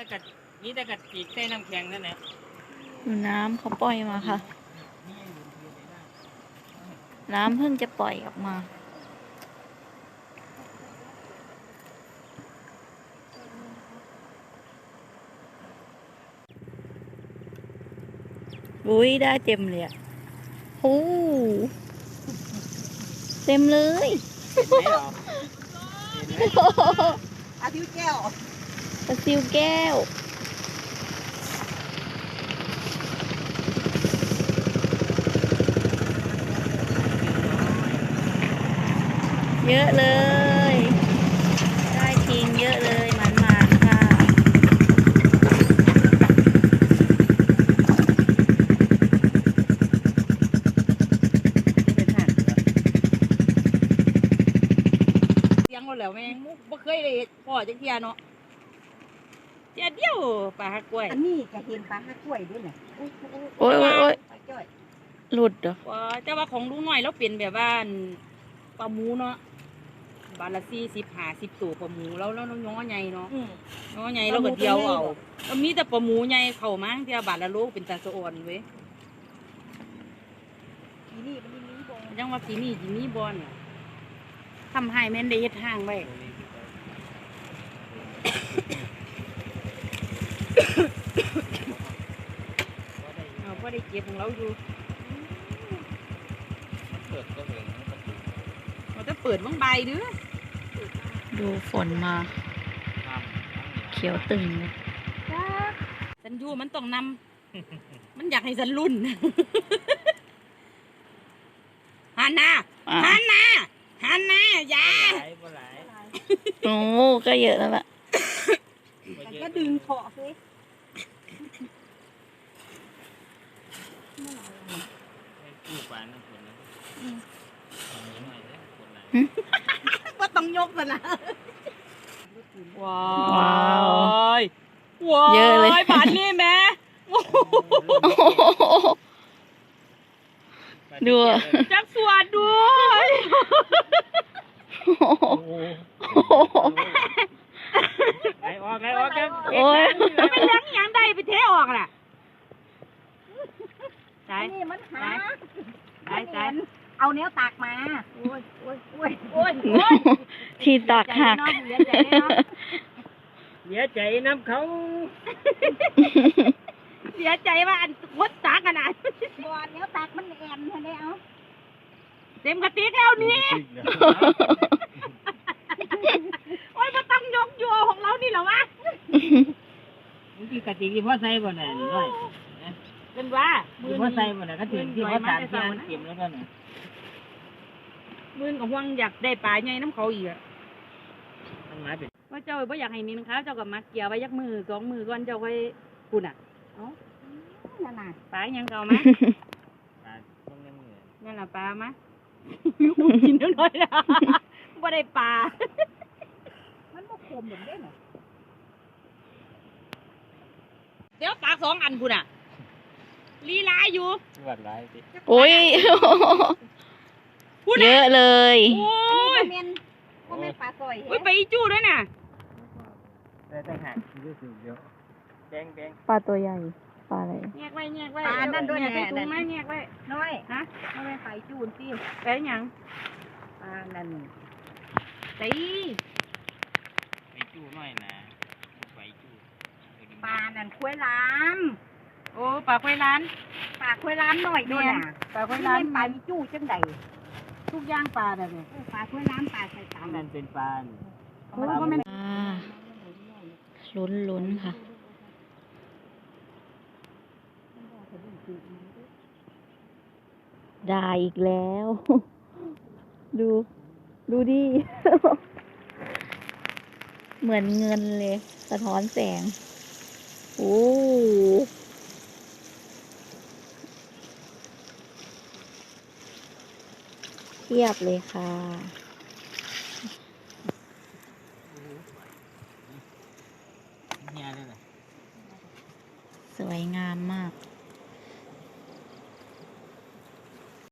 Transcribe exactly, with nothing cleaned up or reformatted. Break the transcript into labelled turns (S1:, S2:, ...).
S1: แต่กัดนี่แต่กัดจีกใส่น้ำแข็งนั่นแหละ
S2: ดูน้ำเขาปล่อยมาค่ะน้ำเพิ่งจะปล่อยออกมาอุ้ยได้เต็มเลยอ่ะโอ้เต็มเลย
S1: เห็นไหมหรอเห็นไหม
S3: อาทิวแก้ว
S2: ปลาซิวแก้วเยอะเลยได้ทิ้งเยอะเลยหมันๆค่ะ
S3: เสียงเราแล้วแม่งบ่เคยได้พ่อจักเที่ยเนาะเจ้าเดียวปลาฮักกล้วยอันนี้ก็เห็นปลาฮักกล้วยด้วยน่ะโอ้ย
S2: โอ้ยโอ้ยโอ้ยหลุดเหรอ
S3: ว่าแต่ว่าของลุงน้อยเราเป็นแบบว่าปลาหมูเนาะบาทละสี่สิบห้าสิบตัวปลาหมูแล้วแล้วน้องใหญ่เนาะน้องใหญ่เราก็เดียวเอาแล้วมีแต่ปลาหมูใหญ่เข้ามาเที่ยวบาทละโลเป็นตาสะอ่อนเว้ยทีนี่มันมีบอลยังว่าทีนี่ทีนี่บอลทำให้แม่นได้เฮ็ดห้างไว้เอาพอได้เก็บของเราอยู่
S1: เปิดก็เห็น
S3: เราจะเปิดบ้างใบเด้อ
S2: ดูฝนมาเขียวตึงเลย
S3: ฉันอยู่มันต้องนำมันอยากให้ฉันรุ่นฮันนาฮันนาฮันนายา
S2: โอ้ก็เยอะแล้วล่ะ
S3: ก็ดึงเถาะสิก็ต้องยกมันนะว้าว
S2: เยอะเลย
S3: บานนี่แม่
S2: ดู
S3: จักสวดด้วย
S1: ไอออกไอออกกัน
S2: โอ้ย
S3: เป็นเลี้ยงยังได้ไปเทออกน่ะใช่นี่มันหาใช่ใช่เอาเนี้ยตักมาโอ้ยโอ้ยโอ้ยโอ้ย
S2: ที่ตักหัก
S1: เสียใจน้ำเขา
S3: เสียใจว่าอันวัดตักขนาดบอลเนี้ยตักมันแอนเท่านี้เอาเต็มกระติกแล้วนี่โอ้ยมาต้องยกโยของเรานี่เหรอวะ
S1: ที่กระติกที่พ่อใส่บ่เนี่ยด้วย
S3: เป็นว่า
S1: ที่พ่อใส่บ่เนี่ยก็ถึงที่พ่อสารที่มันเก็บแล้วก็เนี่ย
S3: มือกับห่วงอยากได้ปลาใหญ่น้ำเขาอีกอ่ะ
S1: มันมาเป็น
S3: ว่าเจ้าไม่อยากให้มีนะคะเจ้ากับมาเกี่ยวไว้ยักมือสองมือก่อนเจ้าไว้ปุ่นอ่ะเอ้านั่นน่ะปลายังเก่ามั้ย
S1: ปลาพวกนี้มือ
S3: นั่นแหละปลามั้ยกินน้อยๆนะไม่ได้ปลามันบ่คมเหมือนเด้เหรอเดี๋ยวปลาสองอันปุ่นอ่ะลีลาอยู่
S1: วัดร้ายสิ
S2: โอ้ยเยอะเลย
S3: โอ้ยเมนโอ้ยปลาซอยโอ้ยไปจู้ด้วยน่ะ
S1: แต่แต่หักรู้สึกเยอะแดงแดง
S2: ปลาตัวใหญ่ปลาอะไร
S3: แยกไว้แยกไว้ปลานั่นด้วยแน่ถุงไม้แยกไว้น้อยฮะไม่ไปไปจูนสิไปยังปลานั่นตี
S1: ไปจู้น้อยนะไปจู้
S3: ปลานั่นคุ้ยล้านโอ้ปลาคุ้ยล้านปลาคุ้ยล้านหน่อยด้วยน่ะปลาคุ้ยล้านปลาจู้จังใดทุกย่างปลาแบบนี้ปลาคุ้ยล้านปลาใส่ตา
S1: นั่นเป็นปลา
S2: ปลาลุ้นลุ้นค่ะได้อีกแล้ว ดูดูดิ เหมือนเงินเลยสะท้อนแสงโอ้เทียบเลยค่ะสวยงามมาก